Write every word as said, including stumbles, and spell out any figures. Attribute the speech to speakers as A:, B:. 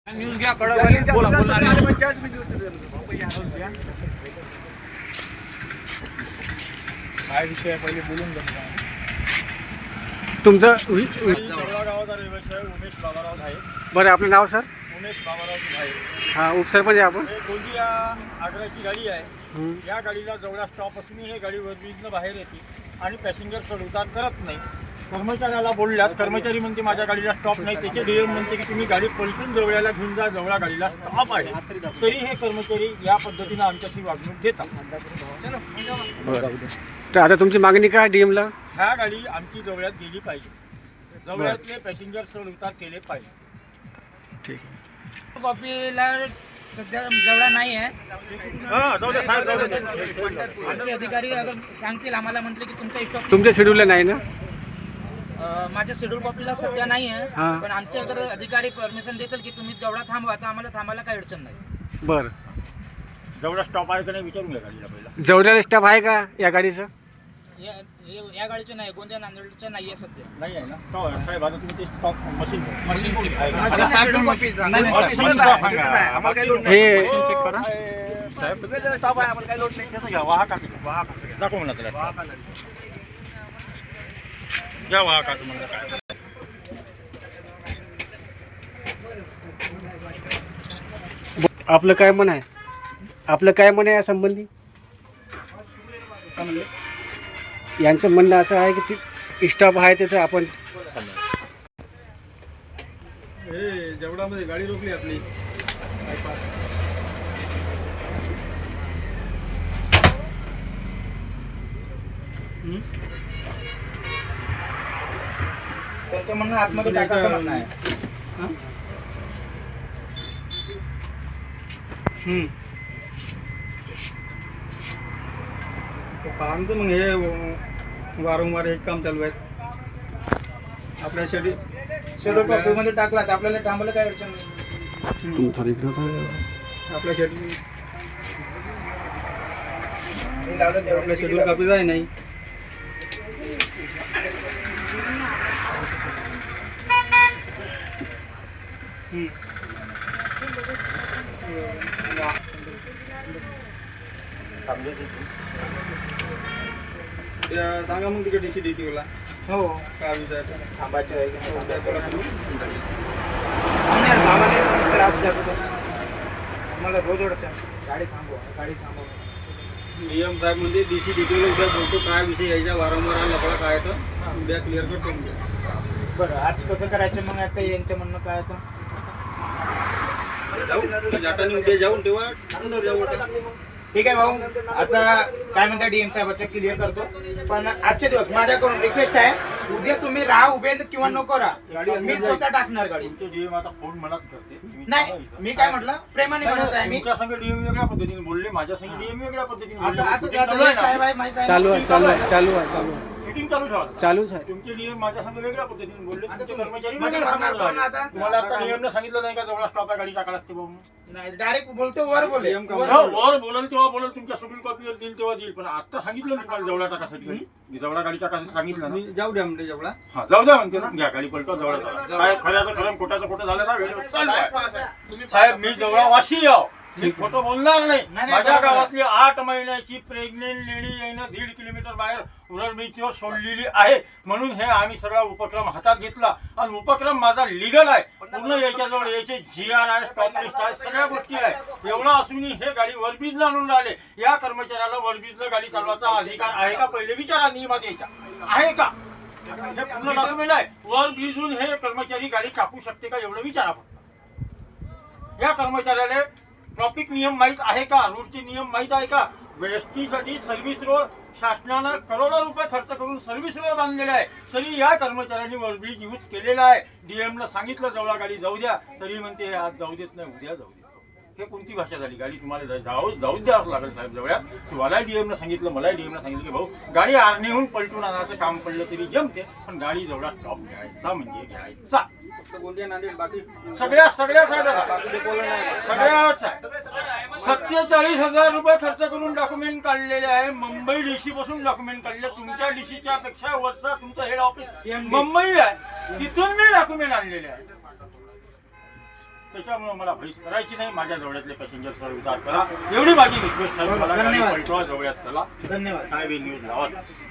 A: News घ्या कळवाली बोला बोला काय विषय पहिले बोलून घ्या
B: तुमचं
C: जवळा गावाचा रहिवासी आहे उमेश बाबाराव धाये.
B: बरं आपलं नाव सर?
C: उमेश बाबाराव धाये.
B: हां उपसरपंच आहे आपण.
C: हे गोंदिया आग्राची गाडी आहे.
B: हं.
C: या गाडीला जवळा स्टॉप असूनही हे गाडी वरवीजनं बाहेर येते आणि पॅसेंजर चढउतार करत नाही. कर्मचाऱ्याला बोलल्यास कर्मचारी म्हणते माझ्या गाडीला स्टॉप नाही. त्याचे डीएम म्हणते की तुम्ही गाडी पलटून जवळ्याला घेऊन जा, जवळा गाडीला स्टॉप आहे. तरी हे कर्मचारी या पद्धतीनं आमच्याशी वागणूक देतात.
B: बरं तर आता तुमची मागणी काय डी एमला?
C: ह्या गाडी आमची जवळ्यात गेली पाहिजे. जवळ्यातले पॅसेंजर चढउतार केले पाहिजे.
B: ठीक आहे.
D: कॉपीला सध्या जवळा नाही आहे.
C: हां जाऊ दे साहेब, जाऊ दे.
D: आमचे अधिकारी अगर सांगतील आम्हाला म्हटले की तुमचा स्टॉप
B: तुमच्या शेड्यूलला नाही ना?
D: माझ्या शेड्यूल कॉपीला सध्या नाही आहे.
B: हां.
D: पण आमचे अगर अधिकारी परमिशन देतील की तुम्ही जवळा थांबवा तर आम्हाला थांबायला काही अडचण नाही.
B: बरं
C: जेवढा स्टॉप आहे का नाही विचारून घ्या गाडीला पहिला.
B: जवळ्याला स्टाफ आहे का या गाडीचं?
D: या या- या गाडीचे नाही, गोंदिया नांदेडचे नाही आहे सध्या.
C: नाही आहे ना तो साहेब. आता तुम्ही ते स्टॉप मशीन मशीन
D: माझ्या schedule copy चा.
A: नाही, नाही,
C: मशीन
A: साहेब,
C: स्टॉप
A: साहेब,
C: आहे.
A: साहेब, आम्हाला काही लोड
B: हे
C: मशीन चेक करा साहेब.
A: नाही स्टॉप आहे आम्हाला काही लोड नाही.
C: त्याचं घ्या वाहा काकी वाहा काकी दाखव म्हणा त्याला घ्या वाहा काकी म्हणा काय.
B: आपलं काय म्हण आहे? आपलं काय म्हण आहे या संबंधी? यांचं म्हणणं असं आहे की ती स्टाफ आहे त्याचं आपण
C: हे जेवढामध्ये गाडी रोखली आपली.
D: त्यांचं म्हणणं आतमध्ये टाकायचं म्हणणं आहे.
B: हं.
C: आमचं मग हे वारंवार हे काम चालू आहे आपल्या शेडी
D: शेड्यूल कॉपीमध्ये टाकला तर आपल्याला थांबायला काही अडचण नाही.
B: तुमचं इकडं होतं.
C: आपल्या शेडी
D: हे लावलं तेवढं
C: आपल्या शेड्यूल कापी जाय नाही. सांगा मग तिकडे डीसी डी टीला
D: हो
C: काय विषय
D: थांबायचं आहे की नाही थांबायचं आहे.
C: थांबायचं.
D: आम्ही यार भावाला त्रास देतो. मला रोज अडचण गाडी थांबवा गाडी थांबवा.
C: नियम साहेब म्हणजे डीसी डी टीला उद्या बोलतो काय विषय यायच्या वारंवार लफडा काय तर उद्या क्लिअर कट करून द्या.
D: बरं आज कसं करायचं मग आता यांचं म्हणणं काय आता?
C: जाऊ जाताना उद्या जाऊन तेव्हा अंदर जाऊ आता.
D: ठीक आहे भाऊ, आता काय म्हणता डीएम साहेबाचं क्लिअर करतो. पण आजचे दिवस माझ्याकडून रिक्वेस्ट आहे, उद्या तुम्ही राहा उभे किंवा नको राहा, मी स्वतः टाकणार गाडी.
C: तुमचे डीएम आता फोन मलाच करते. तुम्ही
D: नाही
C: थांबा इथं.
D: मी काय म्हटलं प्रेमाने म्हणत आहे मी.
C: तुमच्या संग डीएम वेगळ्या पद्धतीने बोलले, माझ्या संग डीएम वेगळ्या पद्धतीने बोलले.
D: आता आता
C: Shooting चालू
D: आता
C: आहे
D: हे साहेब
C: ना.
D: आहे माहित आहे
B: चालू
D: ना?
B: आहे चालू आहे चालू आहे चालू आहे
C: Shooting चालू ठेवा.
B: चालूच आहे.
C: तुमचे डीएम माझ्या संग वेगळ्या पद्धतीने बोलले,
D: आता
C: तुमचे
D: तुम्ही-
C: कर्मचारी
D: म्हणजे
C: वेगळ्या
D: सांगणार
C: सांगणार
D: कोण आता?
C: तुम्हाला आता डीएमने सांगितलं नाही का जवळ स्टॉप आहे गाडी टाका लागते बाबा.
D: नाही डायरेक्ट बोलतो वर बोले
C: डीएम का
D: वर
C: हो,
D: बोले.
C: वर बोलाल तेव्हा बोलाल, तुमच्या शेड्यूल कॉपीवर देईल तेव्हा देईल. पण आता सांगितलं ना तुम्हाला जवळा टाकासाठी गाडी, जवळा गाडी टाकासाठी सांगितलं ना.
E: जाऊ द्या म्हणजे जेवढा
C: हा जाऊ द्या म्हणते ना. घ्या गाडी पलटा जवळ चला. साहेब खऱ्याचं खरं खोट्याचं खोटं झालं ना वेळेवर चालू आहे. साहेब मी जवळ वाशी आहो, मी खोटं बोलणार नाही.
D: नाही,
C: माझ्या
D: बरोबर आहे.
C: गावातली आठ महिन्याची प्रेग्नेंट लेडी यानं दीड किलोमीटर बाहेर उरण बीचवर सोडलेली आहे. म्हणून हे आम्ही सगळा उपक्रम हातात घेतला आणि उपक्रम माझा लिगल आहे. पूर्ण याच्याजवळ याचे जी आर आहे, स्टॉप लिस्ट आहे, सगळ्या गोष्टी आहे. एवढं असूनही हे गाडी वरबीजला आणून राहिले. या कर्मचाऱ्याला वरबीजला गाडी चालवायचा अधिकार आहे का पहिले विचारा. नियमात यायचा आहे का? हे पूर्ण डॉक्युमेंट आहे. वर भिजून हे कर्मचारी गाडी कापू शकते का एवढं विचारा फक्त. या कर्मचाऱ्याला ट्रॅफिक नियम माहीत आहे का? रोडचे नियम माहीत आहे का? एसटीसाठी सर्व्हिस रोड शासनानं करोडो रुपये खर्च करून सर्व्हिस रोड बांधलेला आहे. तरी या कर्मचाऱ्यांनी वरब्रिज यूज केलेला आहे. डीएमला सांगितलं जवळा गाडी जाऊ द्या, तरी म्हणते हे आज जाऊ देत नाही, उद्या जाऊ देत. हे कोणती भाषा झाली? गाडी तुम्हाला जाऊ जाऊ द्यावंच लागेल साहेब जवळ्या. तुम्हाला डीएमनं सांगितलं, मला डीएमनं सांगितलं की भाऊ गाडी आर्नीहून पलटून आणायचं काम पडलं तरी जमते, पण गाडी जवळा स्टॉप घ्यायचा म्हणजे घ्यायचा.
E: गोंदिया नांदेड बाकी
C: सगळ्या सगळ्या सगळ्याच आहे. सत्तेचाळीस हजार रुपये खर्च करून डॉक्युमेंट काढलेले आहे. मुंबई डीसी पासून डॉक्युमेंट काढले. तुमच्या डीसीच्या पेक्षा वरचा तुमचं हेड ऑफिस मुंबई आहे, तिथून मी डॉक्युमेंट आणलेले आहे. त्याच्यामुळे मला भैस करायची नाही. माझ्या जवळातले पॅसेंजर सर विचार करा, एवढी माझी रिक्वेस्ट आहे.
D: बरोबर,
C: मला गाडी
D: धन्यवाद.
C: पलटवा, जवळात चला.
D: धन्यवाद.
C: साहेब न्यूज लावा.